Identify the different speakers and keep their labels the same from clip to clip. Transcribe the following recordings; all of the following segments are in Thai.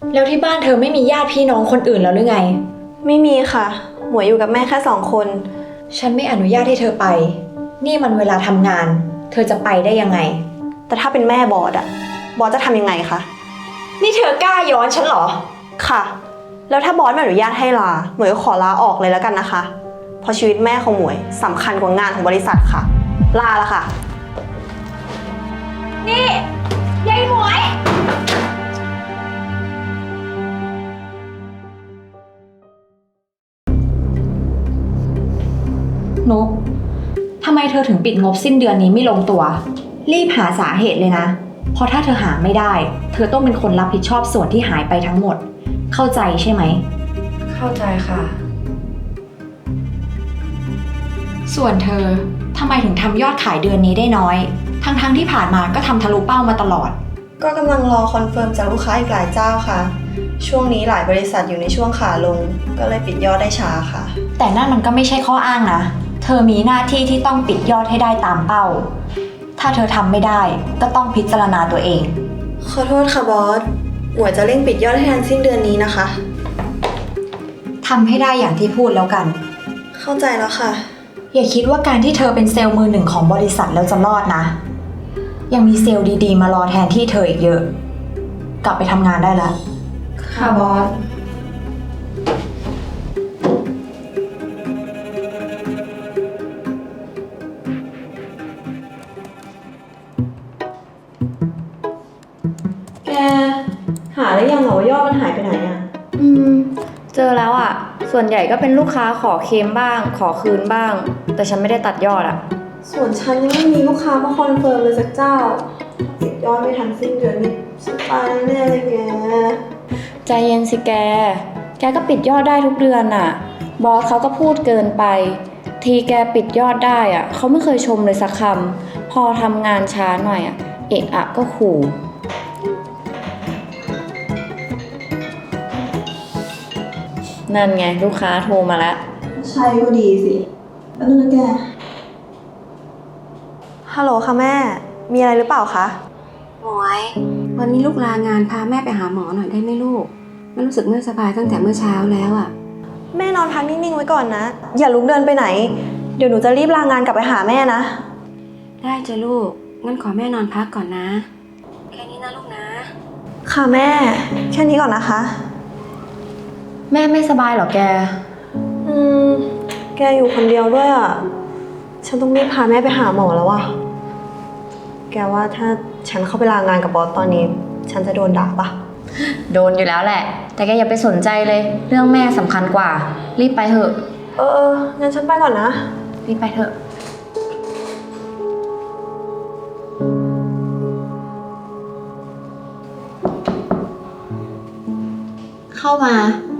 Speaker 1: แล้วที่บ้านเธอไม่มีญาติพี่น้องคนอื่นแล้วหรือไง
Speaker 2: ไม่มีค่ะหมวยอยู่กับแม่แค่2 คน
Speaker 1: ฉันไม่อนุญาตให้เธอไปนี่มันเวลาทำงานเธอจะไปได้ยังไง
Speaker 2: แต่ถ้าเป็นแม่บอสบอสจะทำยังไงคะ
Speaker 1: นี่เธอกล้าย้อนฉันเหรอ
Speaker 2: ค่ะแล้วถ้าบอสไม่อนุญาตให้ลาหมวยก็ขอลาออกเลยแล้วกันนะคะเพราะชีวิตแม่ของหมวยสำคัญกว่างานของบริษัทค่ะลาละค่ะ
Speaker 1: นี่ยายหมวยนุกทำไมเธอถึงปิดงบสิ้นเดือนนี้ไม่ลงตัวรีบหาสาเหตุเลยนะเพราะถ้าเธอหาไม่ได้เธอต้องเป็นคนรับผิดชอบส่วนที่หายไปทั้งหมดเข้าใจใช่ไหม
Speaker 3: เข้าใจค่ะ
Speaker 1: ส่วนเธอทำไมถึงทำยอดขายเดือนนี้ได้น้อยทั้งที่ผ่านมาก็ทำทะลุเป้ามาตลอด
Speaker 2: ก็กำลังรอคอนเฟิร์มจากลูกค้าอีกหลายเจ้าค่ะช่วงนี้หลายบริษัทอยู่ในช่วงขาลงก็เลยปิดยอดได้ช้าค่ะ
Speaker 1: แต่นั่นมันก็ไม่ใช่ข้ออ้างนะเธอมีหน้าที่ที่ต้องปิดยอดให้ได้ตามเป้าถ้าเธอทำไม่ได้ก็ต้องพิจารณาตัวเอง
Speaker 2: ขอโทษค่ะบอสหมวยจะเร่งปิดยอดให้ทันสิ้นเดือนนี้นะคะ
Speaker 1: ทำให้ได้อย่างที่พูดแล้วกัน
Speaker 2: เข้าใจแล้วค่ะ
Speaker 1: อย่าคิดว่าการที่เธอเป็นเซลล์มือหนึ่งของบริษัทแล้วจะรอดนะยังมีเซลล์ดีๆมารอแทนที่เธออีกเยอะกลับไปทำงานได้แล้ว
Speaker 3: ค่ะบอส
Speaker 2: แกหาได้ยังเหรอว่ายอดมันหายไปไหนอะ
Speaker 3: เจอแล้วอ่ะส่วนใหญ่ก็เป็นลูกค้าขอเคลมบ้างขอคืนบ้างแต่ฉันไม่ได้ตัดยอดอ่ะ
Speaker 2: ส่วนฉันยังไม่มีลูกค้ามาคอนเฟิร์มเลยสักเจ้าปิดยอดไม่ทันสิ้นเดือนนี่ฉันตายแน่เลยแก
Speaker 3: ใจเย็นสิแกก็ปิดยอดได้ทุกเดือนอ่ะบอสเขาก็พูดเกินไปทีแกปิดยอดได้อ่ะเขาไม่เคยชมเลยสักคำพอทำงานช้าหน่อยอ่ะเอะอะก็ขู่นั่นไงลูกค้าโทรมาแล้ว
Speaker 2: ใช่ก็ดีสิแล้วนั่นนะแกฮัลโหลค่ะแม่มีอะไรหรือเปล่าคะ
Speaker 4: หมวยวันนี้ลูกลางานพาแม่ไปหาหมอหน่อยได้ไหมลูกแม่รู้สึกไม่สบายตั้งแต่เมื่อเช้าแล้วอ่ะ
Speaker 2: แม่นอนพักนิ่งๆไว้ก่อนนะอย่าลุกเดินไปไหนเดี๋ยวหนูจะรีบลางานกลับไปหาแม่นะ
Speaker 4: ได้จ้ะลูกงั้นขอแม่นอนพักก่อนนะแค่นี้นะลูกนะ
Speaker 2: ค่ะแม่แค่นี้ก่อนนะคะ
Speaker 3: แม่ไม่สบายเหรอแก
Speaker 2: แกอยู่คนเดียวด้วยอ่ะฉันต้องรีบพาแม่ไปหาหมอแล้วอ่ะแกว่าถ้าฉันเข้าไปลางานกับบอสตอนนี้ฉันจะโดนด่าปะ
Speaker 3: โดนอยู่แล้วแหละแต่แกอย่าไปสนใจเลยเรื่องแม่สำคัญกว่ารีบไปเถอะ
Speaker 2: งั้นฉันไปก่อนนะ
Speaker 3: รีบไปเถอะ
Speaker 1: เข้ามา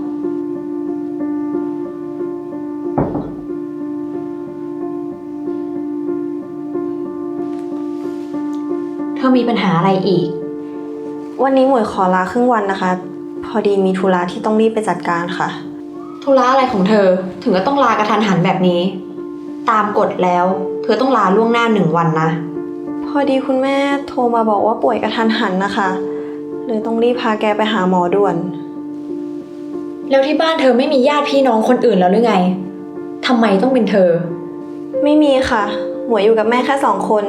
Speaker 1: เธอมีปัญหาอะไรอีก
Speaker 2: วันนี้หมวยขอลาครึ่งวันนะคะพอดีมีธุระที่ต้องรีบไปจัดการค่ะ
Speaker 1: ธุระอะไรของเธอถึงก็ต้องลากระทันหันแบบนี้ตามกฎแล้วเธอต้องลาล่วงหน้า1 วันนะ
Speaker 2: พอดีคุณแม่โทรมาบอกว่าป่วยกระทันหันนะคะเลยต้องรีบพาแกไปหาหมอด่วน
Speaker 1: แล้วที่บ้านเธอไม่มีญาติพี่น้องคนอื่นแล้วหรือไงทำไมต้องเป็นเธอ
Speaker 2: ไม่มีค่ะหมวยอยู่กับแม่แค่2 คน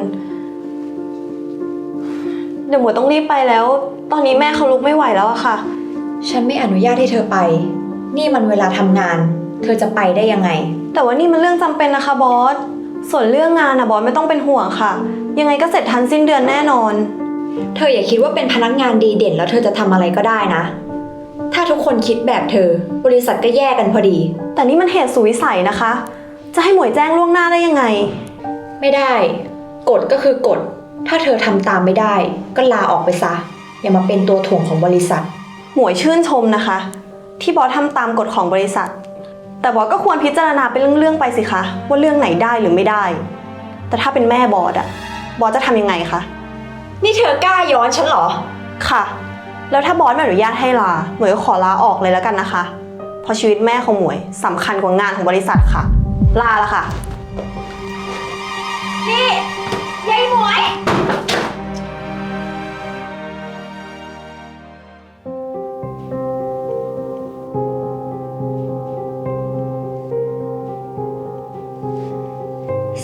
Speaker 2: เดี๋ยวหมวยต้องรีบไปแล้วตอนนี้แม่เขาลุกไม่ไหวแล้วอะค่ะ
Speaker 1: ฉันไม่อนุญาตให้เธอไปนี่มันเวลาทำงานเธอจะไปได้ยังไง
Speaker 2: แต่ว่านี่มันเรื่องจำเป็นนะคะบอสส่วนเรื่องงานบอสไม่ต้องเป็นห่วงค่ะยังไงก็เสร็จทันสิ้นเดือนแน่นอน
Speaker 1: เธออย่าคิดว่าเป็นพนักงานดีเด่นแล้วเธอจะทำอะไรก็ได้นะถ้าทุกคนคิดแบบเธอบริษัทก็แย่กันพอดี
Speaker 2: แต่นี่มันเหตุสุดวิสัยนะคะจะให้หมวยแจ้งล่วงหน้าได้ยังไง
Speaker 1: ไม่ได้กฎก็คือกฎถ้าเธอทำตามไม่ได้ก็ลาออกไปซะอย่ามาเป็นตัวถ่วงของบริษัท
Speaker 2: หมวยชื่นชมนะคะที่บอสทำตามกฎของบริษัทแต่บอสก็ควรพิจารณาเป็นเรื่องๆไปสิคะว่าเรื่องไหนได้หรือไม่ได้แต่ถ้าเป็นแม่บอสบอสจะทำยังไงคะ
Speaker 1: นี่เธอกล้าย้อนฉันเหรอ
Speaker 2: ค่ะแล้วถ้าบอสไม่อนุญาตให้ลาหมวยก็ขอลาออกเลยแล้วกันนะคะเพราะชีวิตแม่ของหมวยสำคัญกว่างานของบริษัทค่ะลาละค่ะ
Speaker 1: นี่ยายหมวย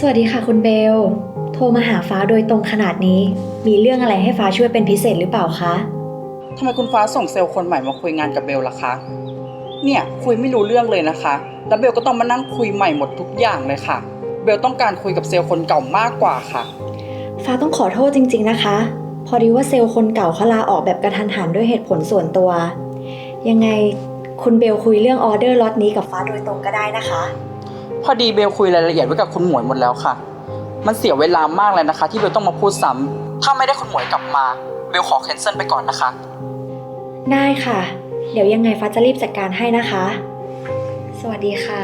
Speaker 1: วัสดีค่ะคุณเบล โทรมาหาฟ้าโดยตรงขนาดนี้ มีเรื่องอะไรให้ฟ้าช่วยเป็นพิเศษหรือเปล่าคะ
Speaker 5: ทำไมคุณฟ้าส่งเซลล์คนใหม่มาคุยงานกับเบลล่ะคะ เนี่ยคุยไม่รู้เรื่องเลยนะคะ แล้วเบลก็ต้องมานั่งคุยใหม่หมดทุกอย่างเลยค่ะ เบลต้องการคุยกับเซลล์คนเก่ามากกว่าค่ะ
Speaker 1: ฟ้าต้องขอโทษจริงๆนะคะ พอดีว่าเซลล์คนเก่าเขาลาออกแบบกระทันหันด้วยเหตุผลส่วนตัว ยังไงคุณเบลคุยเรื่องออเดอร์ล็อตนี้กับฟ้าโดยตรงก็ได้นะคะ
Speaker 5: พอดีเบลคุยรายละเอียดไว้กับคุณหมวยหมดแล้วค่ะ มันเสียเวลามากเลยนะคะ ที่เบลต้องมาพูดซ้ำถ้าไม่ได้คุณหมวยกลับมาเบลขอแคนเซิลไปก่อนนะคะ
Speaker 1: ได้ค่ะ เดี๋ยวยังไงฟ้าจะรีบจัดการให้นะคะ สวัสดีค่ะ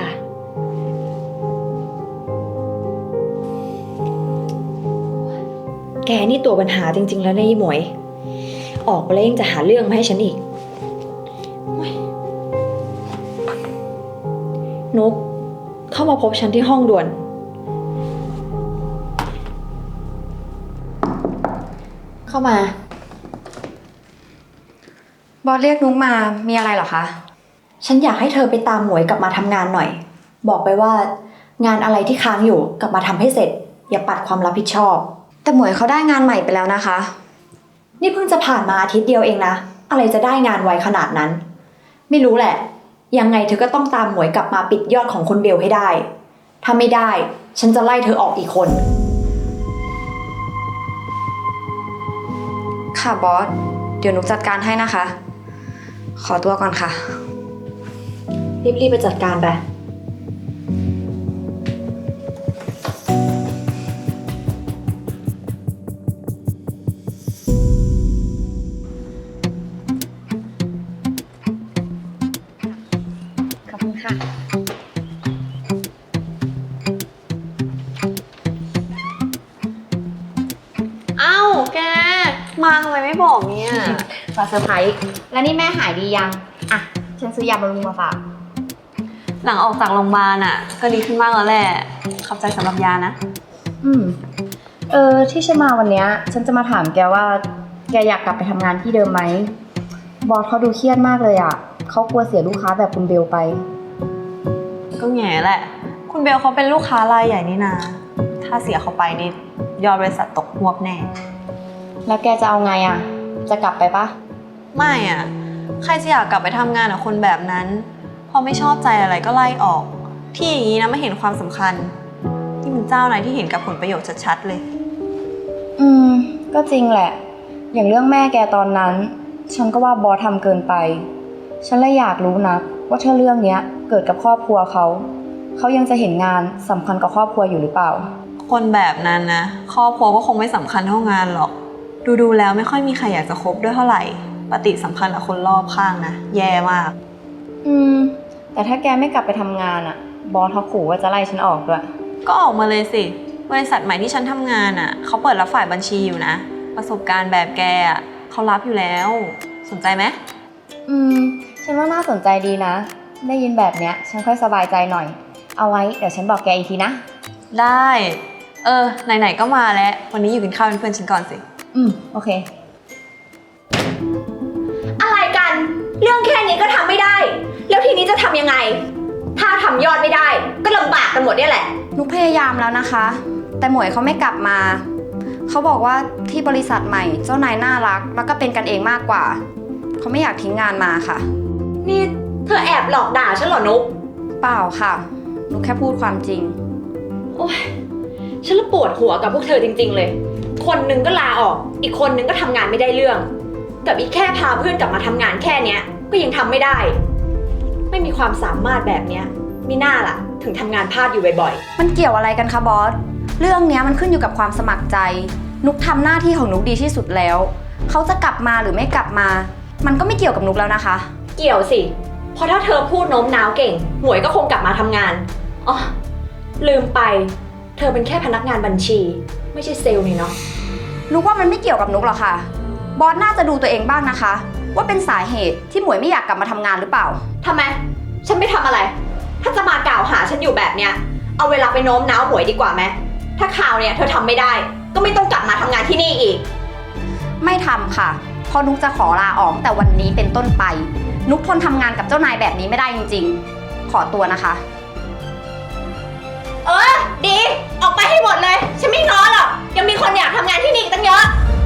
Speaker 1: แกนี่ตัวปัญหาจริงๆแล้วนะยี่หมวย ออกไปแล้วยังจะหาเรื่องมาให้ฉันอีกโอ๊ยนุกเข้ามาพบฉันที่ห้องด่วน เข้ามา
Speaker 3: บอสเรียกนุ๊กมามีอะไรเหรอคะ
Speaker 1: ฉันอยากให้เธอไปตามหมวยกลับมาทำงานหน่อย บอกไปว่างานอะไรที่ค้างอยู่กลับมาทำให้เสร็จ อย่าปัดความรับผิดชอบ
Speaker 3: แต่หมวยเขาได้งานใหม่ไปแล้วนะคะ
Speaker 1: นี่เพิ่งจะผ่านมาอาทิตย์เดียวเองนะ อะไรจะได้งานไวขนาดนั้น ไม่รู้แหละ ยังไงเธอก็ต้องตามหมวยกลับมาปิดยอดของคุณเบลให้ได้ ถ้าไม่ได้ ฉันจะไล่เธอออกอีกคน
Speaker 3: ค่ะบอส เดี๋ยวนุ๊กจัดการให้นะคะ ขอตัวก่อนค่ะ
Speaker 1: รีบๆไปจัดการไป
Speaker 3: ขอบคุณค่ะ
Speaker 2: เอ้าแก มาทำไมไม่บอกเนี่ย
Speaker 3: ฝากเซอร์ไพรส์แล้วนี่แม่หายดียัง อ่ะ ฉันซื้อยาบำรุงมาฝาก
Speaker 2: หลังออกจากโรงพยาบาลอ่ะ ก็ดีขึ้นมากแล้วแหละ ขอบใจสำหรับยานะ
Speaker 3: ที่ฉันมาวันเนี้ยฉันจะมาถามแกว่า แกอยากกลับไปทำงานที่เดิมไหม บอสเขาดูเครียดมากเลยอ่ะ เขากลัวเสียลูกค้าแบบคุณเบลไป
Speaker 2: ก็แง่แหละ คุณเบลเขาเป็นลูกค้ารายใหญ่นี่นา ถ้าเสียเขาไปนี่ยอดบริษัทตกฮวบแน่
Speaker 3: แล้วแกจะเอาไงอ่ะ จะกลับไปปะ
Speaker 2: ไม่อ่ะ ใครจะอยากกลับไปทำงานกับคนแบบนั้น พอไม่ชอบใจอะไรก็ไล่ออก ที่อย่างนี้นะไม่เห็นความสำคัญ นี่มันเจ้านายที่เห็นกับผลประโยชน์ชัดๆเลย
Speaker 3: ก็จริงแหละ อย่างเรื่องแม่แกตอนนั้น ฉันก็ว่าบอสทำเกินไป ฉันเลยอยากรู้นะว่าถ้าเรื่องเนี้ยเกิดกับครอบครัวเขายังจะเห็นงานสำคัญกับครอบครัวอยู่หรือเปล่า
Speaker 2: คนแบบนั้นนะครอบครัวก็คงไม่สำคัญเท่างานหรอก ดูแล้วไม่ค่อยมีใครอยากจะคบด้วยเท่าไหร่ ปฏิสัมพันธ์กับคนรอบข้างนะ แย่มาก
Speaker 3: แต่ถ้าแกไม่กลับไปทำงานอ่ะ บอสเขาขู่ว่าจะไล่ฉันออกด้วย
Speaker 2: ก็ออกมาเลยสิ บริษัทใหม่ที่ฉันทำงานอ่ะเขาเปิดรับฝ่ายบัญชีอยู่นะ ประสบการณ์แบบแกอ่ะเขารับอยู่แล้ว สนใจไหม
Speaker 3: ฉันว่าน่าสนใจดีนะ ได้ยินแบบเนี้ยฉันค่อยสบายใจหน่อย เอาไว้เดี๋ยวฉันบอกแกอีกทีนะ
Speaker 2: ได้ ไหนๆก็มาแล้ว วันนี้อยู่กินข้าวเป็นเพื่อนฉันก่อนสิ
Speaker 3: โอเค
Speaker 1: อะไรกัน เรื่องแค่นี้ก็ทำไม่ได้ แล้วทีนี้จะทำยังไง ถ้าทำยอดไม่ได้ ก็ลำบากกันหมดเนี่ยแหละ
Speaker 3: นุกพยายามแล้วนะคะ แต่หมวยเขาไม่กลับมา เขาบอกว่าที่บริษัทใหม่เจ้านายน่ารักแล้วก็เป็นกันเองมากกว่า เขาไม่อยากทิ้งงานมาค่ะ
Speaker 1: นี่เธอแอบหลอกด่าฉันเหรอนุก
Speaker 3: เปล่าค่ะ นุกแค่พูดความจริง
Speaker 1: โอ๊ย ฉันละปวดหัวกับพวกเธอจริงๆเลย คนหนึงก็ลาออก อีกคนหนึงก็ทำงานไม่ได้เรื่อง กับอีกแค่พาเพื่อนกลับมาทำงานแค่เนี้ย ก็ยังทำไม่ได้ ไม่มีความสามารถแบบเนี้ยมิน่าล่ะ ถึงทำงานพลาดอยู่บ่อย
Speaker 3: มันเกี่ยวอะไรกันคะบอส เรื่องเนี้ยมันขึ้นอยู่กับความสมัครใจ นุกทำหน้าที่ของนุกดีที่สุดแล้ว เขาจะกลับมาหรือไม่กลับมา มันก็ไม่เกี่ยวกับนุกแล้วนะคะ
Speaker 1: ๆ เกี่ยวสิ เพราะถ้าเธอพูดโน้มน้าวเก่ง หมวยก็คงกลับมาทำงาน อ๋อ ลืมไป เธอเป็นแค่พนักงานบัญชี ไม่ใช่เซลล์นี่เนาะ
Speaker 3: นุกว่ามันไม่เกี่ยวกับนุกหรอกค่ะ บอสน่าจะดูตัวเองบ้างนะคะ ว่าเป็นสาเหตุที่หมวยไม่อยากกลับมาทำงานหรือเปล่า
Speaker 1: ทำไม ฉันไม่ทำอะไร ถ้าจะมากล่าวหาฉันอยู่แบบเนี้ย เอาเวลาไปโน้มน้าวหมวยดีกว่าไหม ถ้าข่าวเนี่ยเธอทำไม่ได้ ก็ไม่ต้องกลับมาทำงานที่นี่อีก
Speaker 3: ไม่ทำค่ะ เพราะนุกจะขอลาออกแต่วันนี้เป็นต้นไป นุกทนทำงานกับเจ้านายแบบนี้ไม่ได้จริงๆ ขอตัวนะคะ
Speaker 1: โดี ออกไปให้หมดเลย ฉันไม่ง้อหรอก ยังมีคนอยากทำงานที่นี่อีกตั้งเยอะ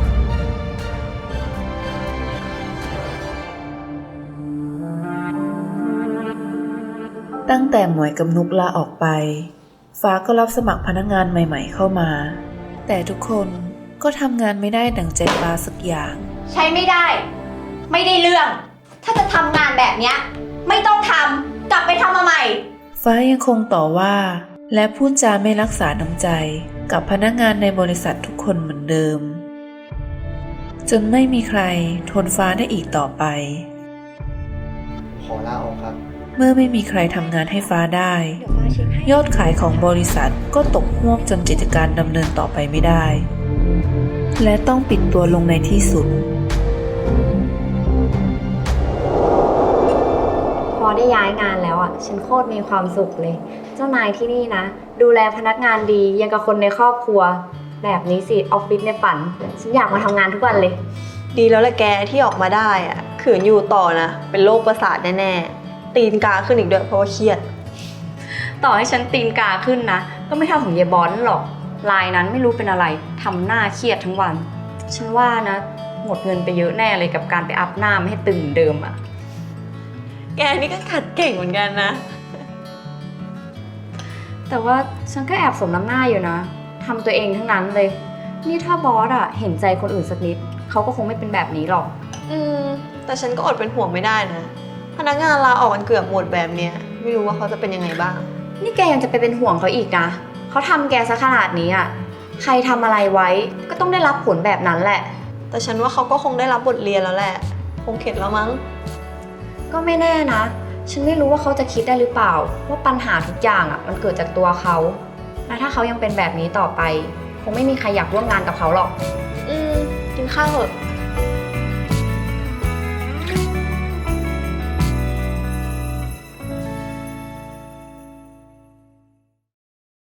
Speaker 6: ตั้งแต่หมวยกับนุกลาออกไป ฟ้าก็รับสมัครพนักงานใหม่ๆเข้ามา แต่ทุกคนก็ทำงานไม่ได้ดั่งใจฟ้าสักอย่าง
Speaker 1: ใช้ไม่ได้ ไม่ได้เรื่อง ถ้าจะทำงานแบบเนี้ยไม่ต้องทำ กลับไปทำมาใหม่
Speaker 6: ฟ้ายังคงต่อว่าและพูดจาไม่รักษาน้ำใจกับพนักงานในบริษัททุกคนเหมือนเดิม จนไม่มีใครทนฟ้าได้อีกต่อไป
Speaker 7: ขอลาออกครับ
Speaker 6: เมื่อไม่มีใครทำงานให้ฟ้าได้ ยอดขายของบริษัทก็ตกฮวบจนกิจการดำเนินต่อไปไม่ได้ และต้องปิดตัวลงในที่สุด
Speaker 3: พอได้ย้ายงานแล้วอ่ะ ฉันโคตรมีความสุขเลย เจ้านายที่นี่นะ ดูแลพนักงานดียังกับคนในครอบครัว แบบนี้สิออฟฟิศในฝัน ฉันอยากมาทำงานทุกวันเลย
Speaker 2: ดีแล้วแหละแกที่ออกมาได้อะขืนอยู่ต่อนะ เป็นโรคประสาทแน่ๆ ตีนกาขึ้นอีกด้วยเพราะว่าเครียด
Speaker 3: ต่อให้ฉันตีนกาขึ้นนะ ก็ไม่เท่าของเยบอนหรอกลายนั้นไม่รู้เป็นอะไรทำหน้าเครียดทั้งวัน ฉันว่านะ หมดเงินไปเยอะแน่เลยกับการไปอัพหน้าไม่ให้ตึงเหมือนเดิมอ่ะ
Speaker 2: แกนี่ก็ขัดเก่งเหมือนกันนะ
Speaker 3: แต่ว่าฉันก็แอบสมน้ำหน้าอยู่นะทำตัวเองทั้งนั้นเลย นี่ถ้าบอสอะเห็นใจคนอื่นสักนิดเขาก็คงไม่เป็นแบบนี้หรอก
Speaker 2: แต่ฉันก็อดเป็นห่วงไม่ได้นะ พนักงานลาออกกันเกือบหมดแบบเนี้ยไม่รู้ว่าเขาจะเป็นยังไงบ้าง
Speaker 3: นี่แกยังจะไปเป็นห่วงเขาอีกนะเขาทำแกซะขนาดนี้อะใครทำอะไรไว้ก็ต้องได้รับผลแบบนั้นแหละ
Speaker 2: แต่ฉันว่าเขาก็คงได้รับบทเรียนแล้วแหละ คงเข็ดแล้วมั้ง
Speaker 3: ก็ไม่แน่นะ ฉันไม่รู้ว่าเขาจะคิดได้หรือเปล่า ว่าปัญหาทุกอย่างอะมันเกิดจากตัวเขาและถ้าเขายังเป็นแบบนี้ต่อไป คงไม่มีใครอยากร่วมงานกับเขาหรอก
Speaker 2: กินข้าวเถอะ